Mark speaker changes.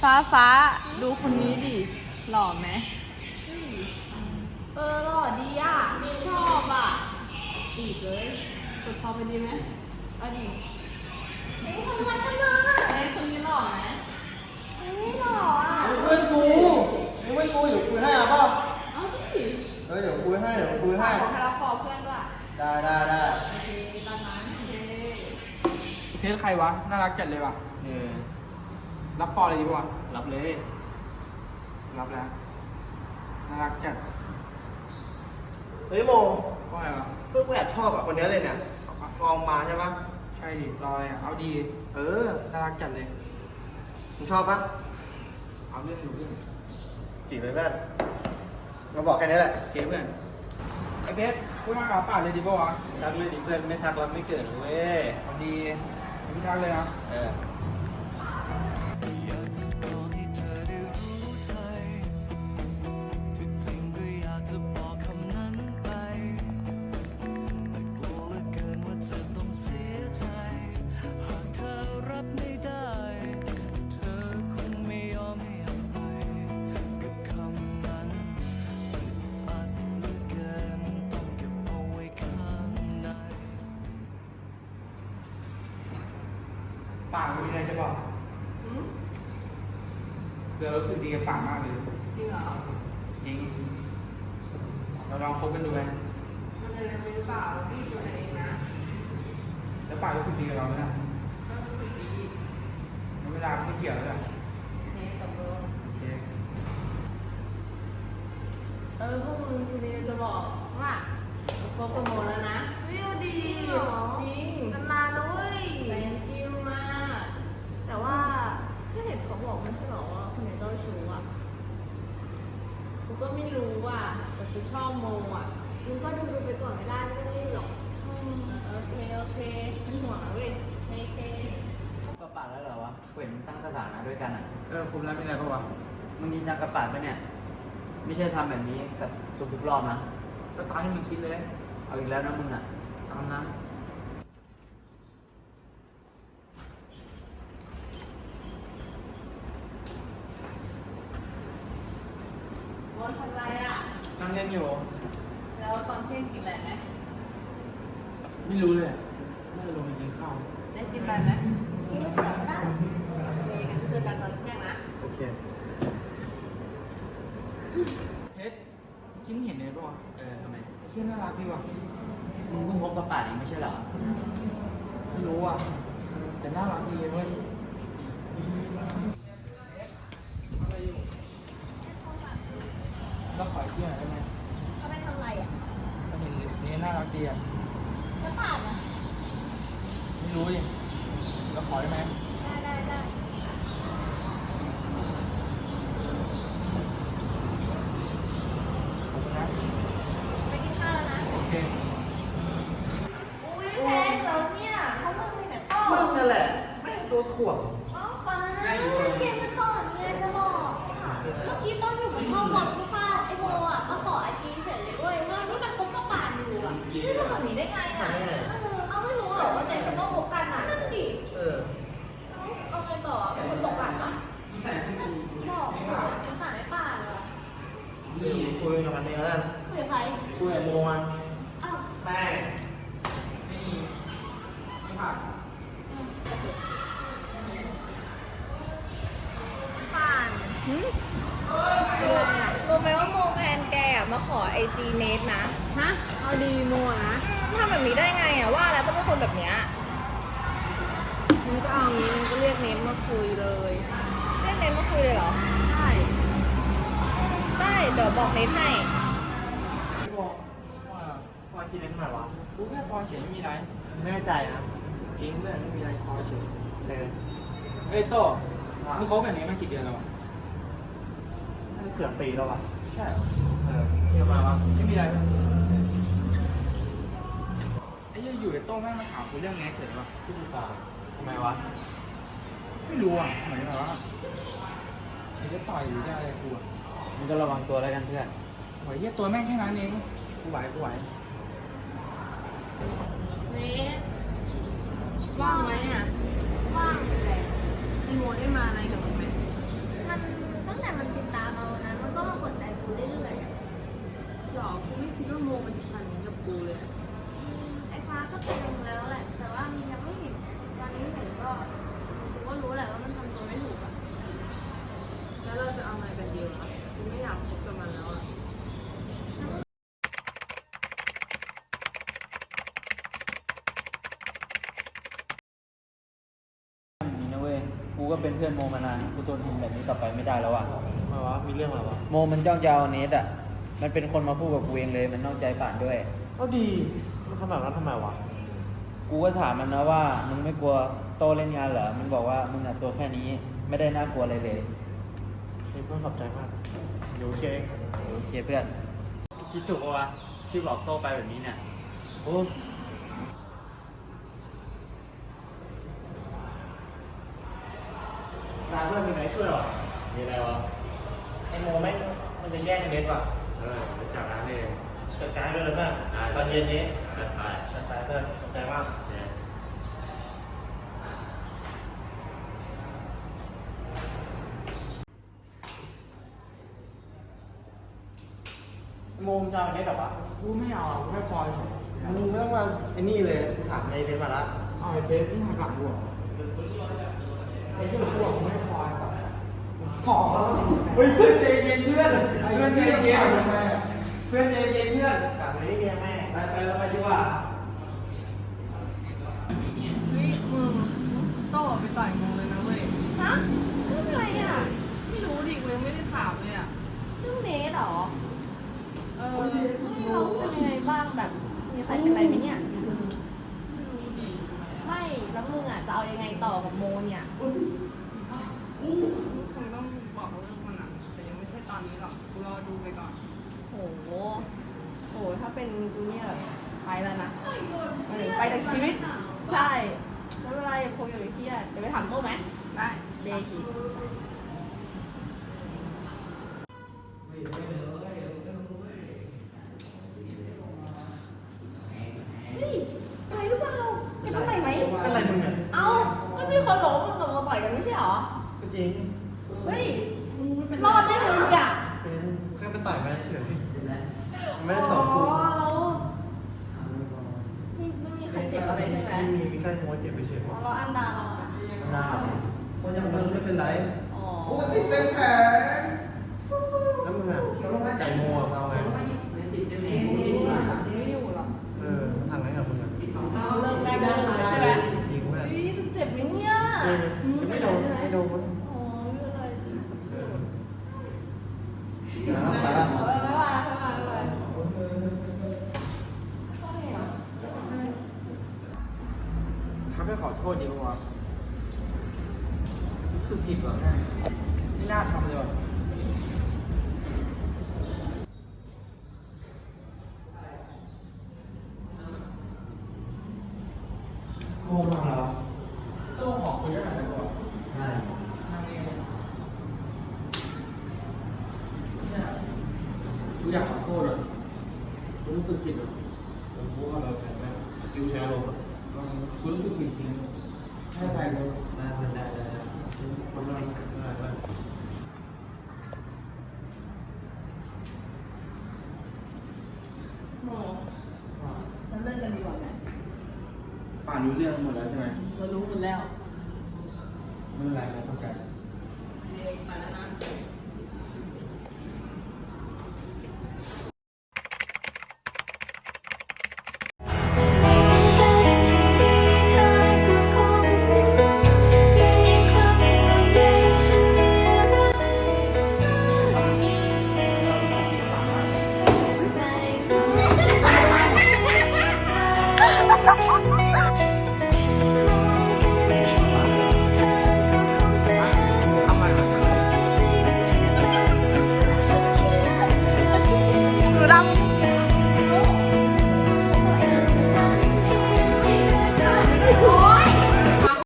Speaker 1: ฟ้าดูคนนี้ดิหล่อไหม
Speaker 2: หล่อดีอ่ะ
Speaker 1: ชอบอ่ะจีบเลยกดพอไปดีไหมเอาดิ
Speaker 2: ทำงานจังเลย
Speaker 1: คนนี้หล่อไหม
Speaker 2: ไม่หล่ออ่ะ
Speaker 3: เพื่อนกูเดี๋ยวคุยให้อ่ะป่ะ
Speaker 1: เอาดิ
Speaker 3: เดี๋ยวคุยให้
Speaker 1: ขอให้รับฟอร์เพื่อนด้วย
Speaker 3: ได้
Speaker 1: โอเคตามนั้นโอเค
Speaker 4: เพจใครวะน่ารักจัดเลยว่ะรับฟอลเลยดีป่ะ
Speaker 3: รับเลย
Speaker 4: รับแล้วน่ารักจัด
Speaker 3: เฮ้ยโม
Speaker 4: ก็อะไรวะ
Speaker 3: เพื่อนกูแอบชอบอ่ะคนนี้เลยเนี่ยฟองมาใช่ปะ
Speaker 4: ใช่ดิรอยเอาดีน่ารักจัดเลย
Speaker 3: มึงชอบปะ
Speaker 4: เอาเรื่องอยู่เรื่อง
Speaker 3: จีบเลยเพื่อนมาบอกแค่นี้แหละ
Speaker 4: เกเพื่อนไอเพชรพูดมากกับป่าเลยดีป่ะวะ
Speaker 3: ทักเลยดิเพื่อนไม่ทักเราไม่เกิดเว้ย
Speaker 4: เอาดีไม่ทักเลยนะป่ามีอะไรจะบอกเจอรู้สึกดีกับป่ามากเลย
Speaker 1: จริงเหรอ
Speaker 4: จริงเราลองคบกันดูไหม
Speaker 1: มันจะยังไม่หรือเปล่าเราพี่อยู่ไหนเองนะ
Speaker 4: แล้วป่ารู้สึกดีกับเราไหมล่ะ
Speaker 1: ก็รู้สึกดี
Speaker 4: เวลาไม่เกี่ยวแล้วแหละ
Speaker 1: ตกลงพวกมึงทีนี้จะบอกว่าคบกับโมแล้วนะ
Speaker 2: วิวดี
Speaker 1: จริง
Speaker 2: นานๆนะเว้ย
Speaker 1: แรงกิ้วมาก
Speaker 2: แต่ว่าก็เห็นเขาบอกไม่ใช่หรอว่าคนไหนเจ้าชู้อ่ะ
Speaker 1: กูก็ไม่รู้อ่ะแต่กูชอบโมอ่ะ
Speaker 2: มึงก็ดูไปก่อนไม่ได้ไม่ต้องรีบหรอก
Speaker 1: โอเค
Speaker 2: เป็นห่วงนะเว้ย
Speaker 1: เค
Speaker 3: ก็ป่าแล้วเหรอวะเห็นตั้งสถานะด้วยกันอ่ะ
Speaker 4: คุมแล้วเป็นไงบ้างวะ
Speaker 3: มึงยินจังกับป่าปะเนี่ยไม่ใช่ทำแบบนี้กับทุกรอบนะ
Speaker 4: ก็ตามที่มึงคิดเลย
Speaker 3: เอาอีกแล้วนะมึงอ่ะ
Speaker 4: ตามนั้น
Speaker 1: วันทำไรอ่ะ
Speaker 4: นั่งเล่นอยู่
Speaker 1: แล้วตอนเที่ยงกินอะไรไหม
Speaker 4: ไม่รู้เลยน่าจะลงไปกินข้าว
Speaker 1: ได้กินอะไรไหมกินไม่เสร็จได้งั้นเจอกันตอนเที่ยงนะ
Speaker 3: โอเค
Speaker 4: เพชรคิดเห็นเลยป่ะ
Speaker 3: ทำไม
Speaker 4: เชื่อน่ารักดีว่ะ
Speaker 3: มึงเพิ่งพบกับป่าเองไม่ใช่เหรอ
Speaker 4: ไม่รู้อ่ะแต่น่ารักดีเว้ยก็ขอเที่ยวได้ไหม
Speaker 2: เขาไปทำอะไรอ่ะ
Speaker 4: ก็เห็นนี่น่ารักดีอ่ะ
Speaker 2: แล้วป่านอ่ะ
Speaker 4: ไม่รู้ดิก็ขอได้ไหม
Speaker 2: ได้
Speaker 4: ขอบคุณนะ
Speaker 2: ไปกินข้าวแล้วนะ
Speaker 4: โอเค
Speaker 2: อุ้ยแพงแล้วเนี่ยเพราะมึงมีแต่ต้อ
Speaker 3: มึงนั่นแหละแม่งตัวถ่วง
Speaker 2: ฟ้าเก็บมาก่อนไงจะบอกเมื่อกี้ต้นอยู่บนห้องบอลใช่ป่ะไอโมอ่ะมาขอไอจีเฉยเลยด้วยว่านี่มันคบกับป่านอยู่อ่ะนี่ทำแบบนี้ได้ไงอ่ะเอาไม่รู้หรอว่าเด็กจะต้องคบกันอ่ะนั่นดิเอาไงต่อเป็นคนบอกป่านปะบอกสงสารไอ้ป่านเลย
Speaker 3: คุยกับมันเองแล้ว
Speaker 2: คุยกับใคร
Speaker 3: คุยกับโมมัน
Speaker 2: อ้าว
Speaker 3: แม่
Speaker 4: ไม่ผ่าน
Speaker 2: ป่านรู้ไหมว่าโมแฟนแกมาขอไอจีเนทนะ
Speaker 1: ฮะเอาดีโมนะ
Speaker 2: ทำแบบนี้ได้ไงอ่ะว่าแล้วต้องเป็นคนแบบเนี้ย
Speaker 1: มึงก็เอางี้มึงก็เรียกเนทมาคุยเลย
Speaker 2: เรียกเนทมาคุยเลยเหรอได้เดี๋ยวบอกเนทให้
Speaker 4: บอก
Speaker 3: ว่ากินเล่นทำไมวะ
Speaker 4: กูแค่พอเฉยไม่มีอะไร
Speaker 3: ไม่แน่ใจนะ
Speaker 4: จริงเพื่อนไม่มีอะไรพอเฉย
Speaker 3: เฮ้ย
Speaker 4: โต้มึงคบแบบนี้มากี่เดือนแล้ววะ
Speaker 3: เกือบปีแล้ววะ
Speaker 4: ใช่
Speaker 3: เที่ยวมาวะ
Speaker 4: ไม่มีอะไรไอ้ยังอยู่ไอ้โต้แม่งมาถามกูเรื่องนี้เฉยวะที่กูฟัง
Speaker 3: ทำไมวะ
Speaker 4: ไม่รู้อ่ะเหมือนแบบว่ามันจะต่อยหรือจะอะไรกูอ่ะ
Speaker 3: มึงก็ระวังตัวแล้วกันเพื่อน
Speaker 4: โอ้ยตัวแม่งแค่นั้นเองกูไหว
Speaker 1: เนทว่างไหมอ่ะว่างเลยไอโมได้มาอะไรกับมึงไหมากคบกับมันแล้วอะ
Speaker 3: อย่างนี้นะเว้ย กูก็เป็นเพื่อนโมมานาน กูทนเห็นแบบนี้ต่อไปไม่ได้แล้วอ่ะ
Speaker 4: มาวะมีเรื่องอะไรวะ
Speaker 3: โมมันจ้องจะเอาเนสอ่ะ มันเป็นคนมาพูดกับกูเองเลย มันนอกใจป่านด้วย
Speaker 4: ก็ดีมันทำแบบนั้นทำไมวะ
Speaker 3: กูก็ถามมันนะว่า มึงไม่กลัวโตเล่นงานเหรอ มันบอกว่ามึงอ่ะตัวแค่นี้ ไม่ได้น่ากลัวอะไรเลย
Speaker 4: เพื่อนขอบใจมากเดี๋ยวเคเอง
Speaker 3: โอเคเพื่อน คิดถูกปะวะที่บอกโตไปแบบนี้เนี่ย
Speaker 4: โอ้นายเพื่อนมีใครช่วยหรอ
Speaker 5: มีอะไรวะ
Speaker 4: ไอโมแม่งมันจะแย่งเน็ตว่ะ
Speaker 5: จะจับร้านเอง
Speaker 4: จัดการด้วยเลยเพื่อน
Speaker 5: ได้
Speaker 4: ตอนเย็นนี้
Speaker 5: จัดไป
Speaker 4: จัดไปเพื่อนขอบใจมาก
Speaker 5: เนี่ย
Speaker 4: โมมจะเอาเน็ตหรอวะกูไม่เอากูไม่คอยมึงไม่ต้องมาไอ้นี่เลยกูถามไอ้เน็ตมาละเอาไอ้เบสที่หักหลังกูไอ้ที่หลังกูไม่คอยฟองแล้ว
Speaker 3: เฮ้ยเพื่อนใจเย็นเพื่อน เพื่อนใจเย็นเพื่อนใจเย็นเพื่อน
Speaker 4: กลับไปได้ยังแม่
Speaker 3: ไปเราไปดีกว่า
Speaker 1: เฮ้ยมึงโต้ไปต่อยมึงเลยนะเว้ย
Speaker 2: ฮะเรื่องอะไรอ่ะ
Speaker 1: ไม่รู้ดิกูยังไม่ได้ถามเลยอะ
Speaker 2: เรื่องเนสเหรอ
Speaker 1: ไม่รู้ดิ
Speaker 2: เราเป็นยังไงบ้างแบบ มีใครเป็นอะไรไหมเนี่ย ไม่ แล้วมึงอ่ะจะเอายังไงต่อกับโมเนี่ย
Speaker 1: คงต้องบอกเรื่องมันอะแต่ยังไม่ใช่ตอนนี้หรอกกูรอดูไปก่อน
Speaker 2: โห โห ถ้าเป็นกูเนี่ยไปแล้วนะไปจากชีวิต ใช่ไม่เป็นไรอย่าคงอย่าไปเครียดเดี๋ยวไปถามโต้ไหม
Speaker 1: ได้
Speaker 2: เดชีเฮ้ยอะไรหรือเปล่าจะต้องไหนไหม
Speaker 4: อะไรมึงเนี่ย
Speaker 2: เอ้า ก็มีคนบอกว่ามึงกับโมต่อยกันไม่ใช่เหรอ
Speaker 4: ก็จริง
Speaker 2: เฮ้ย รอดได้เลยอ่ะ
Speaker 4: เป็นแค่ไปต่อยมาเฉยไม่ได้ต่อกู
Speaker 2: แล้วไม่มีใครเจ็บอะไรใช่ไหม
Speaker 4: ไม่มีแค่โมเจ็บไปเฉย
Speaker 2: อ๋อแล้วอันดาเราอ่ะ
Speaker 4: หน้าคนยังไม่เป็นไร
Speaker 2: อ๋อ
Speaker 6: โอ้สิเป็นแผล
Speaker 4: แล้วมึงอ่ะไก่โมอ่ะเอาไง
Speaker 2: ไม่อยู่หรอก
Speaker 4: ทำไงกับมึงอ่ะ
Speaker 2: เอาเลิกได้ก็เลิกใช่ไหม
Speaker 4: จริงเพื่อน
Speaker 2: เฮ้ยจะเจ็บไหมเนี่ย
Speaker 4: จริงไม่โดนไม่โดน
Speaker 2: อ๋อไม่เป็นไร
Speaker 4: แล้วไปละ
Speaker 2: ไม่ว่าไม่ว่าไม่ว่า
Speaker 4: เขาไม่ขอโทษดีกว่ารู้สึกผิดว่ะไม่น่าทำเลยว่ะโง่มากแล้วต้องขอคุยด้วยกันดีกว่าได้กูอยากขอโทษอ่ะกูรู้สึกผิดอ่ะผมพูดว่าเราแพ้ไหมคิวแชร์ลงอ่ะกูรู้สึกผิดจริงให้ใครกูได้คนละได้
Speaker 2: โมแล้วเลิกกันดีกว่าไหม
Speaker 4: ป่านรู้เรื่องหมดแล้วใช่ไหม
Speaker 2: เรารู้หมดแล้ว
Speaker 4: ไม่เป็นไรเราเข้าใจ